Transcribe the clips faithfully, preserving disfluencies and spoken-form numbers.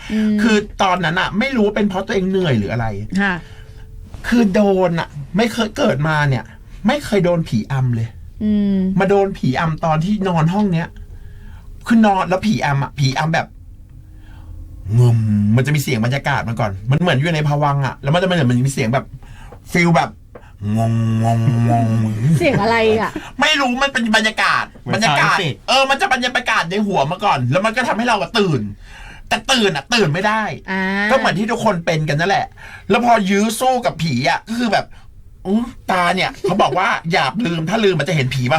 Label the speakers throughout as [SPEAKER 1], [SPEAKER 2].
[SPEAKER 1] คือตอนนั้นอะไม่รู้ว่าเป็นเพราะตัวเองเหนื่อยหรืออะไร
[SPEAKER 2] ค่ะ
[SPEAKER 1] คือโดนอะไม่เคยเกิดมาเนี่ยไม่เคยโดนผีอำเลยมาโดนผีอำตอนที่นอนห้องเนี้ยคือนอนแล้วผีอำอะผีอำแบบงมมันจะมีเสียงบรรยากาศมาก่อนมันเหมือนอยู่ในภวังค์อะแล้วมันจะมันเหมือนมีเสียงแบบฟิลแบบงงงงงง
[SPEAKER 2] เสียงอะไรอ่ะ
[SPEAKER 1] ไม่รู้มันเป็นบรรยากาศบรรยากาศเออมันจะบรรยากาศในหัวมาก่อนแล้วมันก็ทำให้เราตื่นแต่ตื่นอ่ะตื่นไม่ได้ก็เหมือนที่ทุกคนเป็นกันนั่นแหละแล้วพอยื้อสู้กับผีอ่ะก็คือแบบอู้ตาเนี่ยเขาบอกว่าอย่าลืมถ้าลืมมันจะเห็นผีป่ะ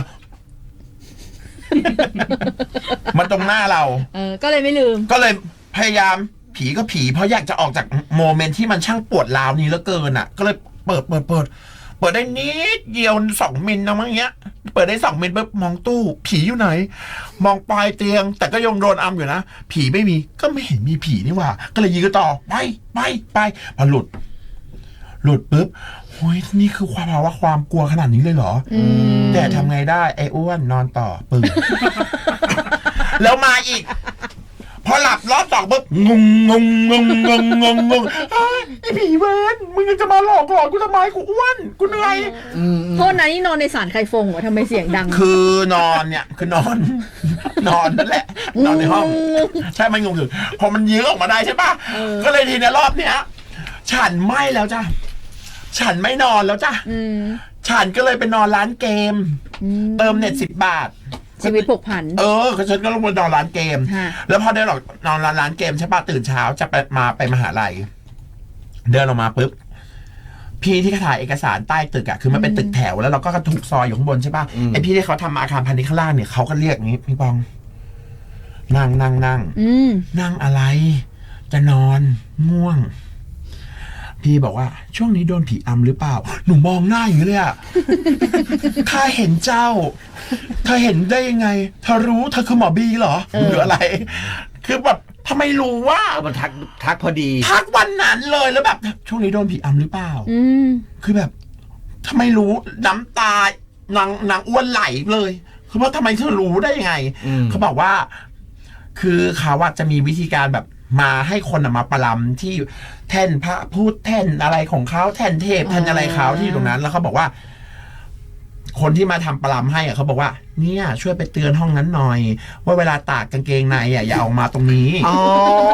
[SPEAKER 1] มันตรงหน้าเรา
[SPEAKER 2] เออก็เลยไม่ลืม
[SPEAKER 1] ก็เลยพยายามผีก็ผีเพราะอยากจะออกจากโมเมนต์ที่มันช่างปวดร้าวนี้เหลือเกินอ่ะก็เลยเปิดเปิดเปิดเปิดได้นิดเดียวสองมิลนะมั้งเงี้ยเปิดได้สองมิลปุ๊บมองตู้ผีอยู่ไหนมองปลายเตียงแต่ก็ยังโดนอัมอยู่นะผีไม่มีก็ไม่เห็นมีผีนี่หว่าก็เลยยืนต่อไปไปไปพอหลุดหลุดปุ๊บโอ้ยนี่คือความภาวะความกลัวขนาดนี้เลยเหรอแต่ทำไงได้ไอ้อ้วนนอนต่อปึ้ง แล้วมาอีกพอหลับรอบสองปุ๊บงงงงงงงงงงงไอ้ผีเวนมึงยังจะมาหลอกหลอนกูทำไมกูอ้วนกูเหนื่อย
[SPEAKER 2] โทษนะนี่นอนในศาลไคฟงเหรอทำไมเสียงดัง
[SPEAKER 1] คือนอนเนี่ยคือนอนนอนนั่นแหละนอนในห้องใช่มันงงอยู่พอมันยื้อออกมาได้ใช่ป่ะก็เลยทีในรอบเนี้ยฉันไม่แล้วจ้ะฉันไม่นอนแล้วจ้ะฉันก็เลยไปนอนร้านเกมเติมเน็ตสิบบาท
[SPEAKER 2] ชีวิตผกผัน
[SPEAKER 1] เออฉันก็ลงมานอนร้านเกมแล้วพอได้หรอกนอนร้านร้านเกมใช่ป่ะตื่นเช้าจะไปมาไปมหาลัยเดินออกมาปุ๊บพี่ที่เขาถ่ายเอกสารใต้ตึกอะคือมันเป็นตึกแถวแล้วเราก็ถูกซอยอยู่ข้างบนใช่ป่ะไอพี่ที่เขาทำอาคารพาณิชย์ข้างล่างเนี่ยเขาก็เรียกอย่างนี้พี่ปองนั่งนั่งนั่งนั่งอะไรจะนอนง่วงพี่บอกว่าช่วงนี้โดนผีอำหรือเปล่าหนูมองหน้าอย่างนี้เลยอะข้าเห็นเจ้าเธอเห็นได้ยังไงเธอรู้เธอคือหมอบีเหรอหรืออะไรคือแบบทำไมรู้ว่า
[SPEAKER 3] มันทักทักพอดี
[SPEAKER 1] ทักวันนั้นเลยแล้วแบบช่วงนี้โดนผีอำหรือเปล่าคือแบบทำไมรู้น้ำตานางนางอ้วนไหลเลยคือว่าทำไมเธอรู้ได้ยังไงเขาบอกว่าคือเขาว่าจะมีวิธีการแบบมาให้คนมาประลำที่แท่นพระพูดแท่นอะไรของเขาแท่นเทพแท่นอะไรเขาที่ตรงนั้นแล้วเขาบอกว่าคนที่มาทำประลำให้อ่ะเขาบอกว่าเนี่ยช่วยไปเตือนห้องนั้นหน่อยว่าเวลาตากกางเกงในอ่ะอย่าออกมาตรงนี้อ๋อ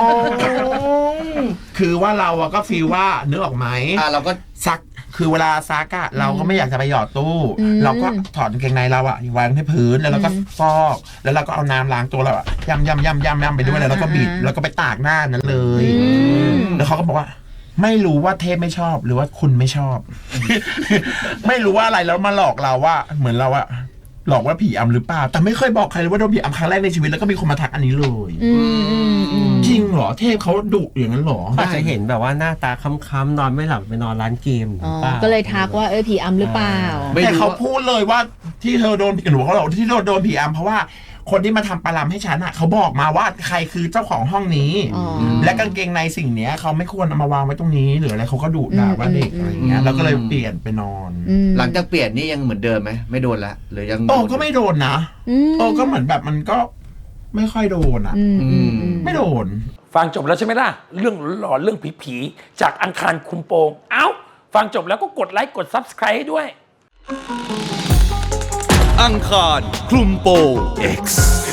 [SPEAKER 1] คือว่าเราก็ฟีลว่านึกออกไหม
[SPEAKER 3] อ่าเราก็
[SPEAKER 1] ซักคือเวลาซักอะเราก็ไม่อยากจะไปหยอดตู้เราก็ถอดกางเกงในเราอะวางที่พื้นแล้วเราก็ฟอกแล้วเราก็เอาน้ำล้างตัวเราอะย่ำย่ำย่ำย่ำย่ำไปด้วยแล้วก็บิดแล้วก็ไปตากหน้านั้นเลยแล้วเขาก็บอกว่าไม่รู้ว่าเทพไม่ชอบหรือว่าคุณไม่ชอบ ไม่รู้ว่าอะไรแล้วมาหลอกเราว่าเหมือนเราอะหลอกว่าผีอำหรือเปล่าแต่ไม่เคยบอกใครเลยว่าโดนผีอำครั้งแรกในชีวิตแล้วก็มีคนมาทักอันนี้เลยจริงเหรอเทพเขาดุอย่างนั้นหรอ
[SPEAKER 4] อาจจะเห็นแบบว่าหน้าตาค้ำๆนอนไม่หลับไปนอนร้านเกม
[SPEAKER 2] ก็เลยทักว่าเออผีอำหรือเปล่า
[SPEAKER 1] แต่เขาพูดเลยว่าที่เธอโดนผีหนูเขาบอกที่โดนผีอำเพราะว่าคนที่มาทำปลาลำให้ฉันอ่ะเขาบอกมาว่าใครคือเจ้าของห้องนี้และกางเกงในสิ่งเนี้ยเขาไม่ควรเอามาวางไว้ตรงนี้หรืออะไรเขาก็ดุด่าว่าเด็กอะไรเงี้ยแล้วก็เลยเปลี่ยนไปนอน
[SPEAKER 3] หลังจากเปลี่ยนนี่ยังเหมือนเดิมไหมไม่โดนละหรือยัง
[SPEAKER 1] โอ้ก็ไม่โดนนะโอ้ก็เหมือนแบบมันก็ไม่ค่อยโดนอ่ะไม่โดน
[SPEAKER 5] ฟังจบแล้วใช่ไหมล่ะเรื่องหลอนเรื่องผีๆจากอังคารคุมโปงเอ้าฟังจบแล้วก็กดไลค์กด ซับสไครบ์ ให้ด้วย
[SPEAKER 6] อังคารคลุมโปง X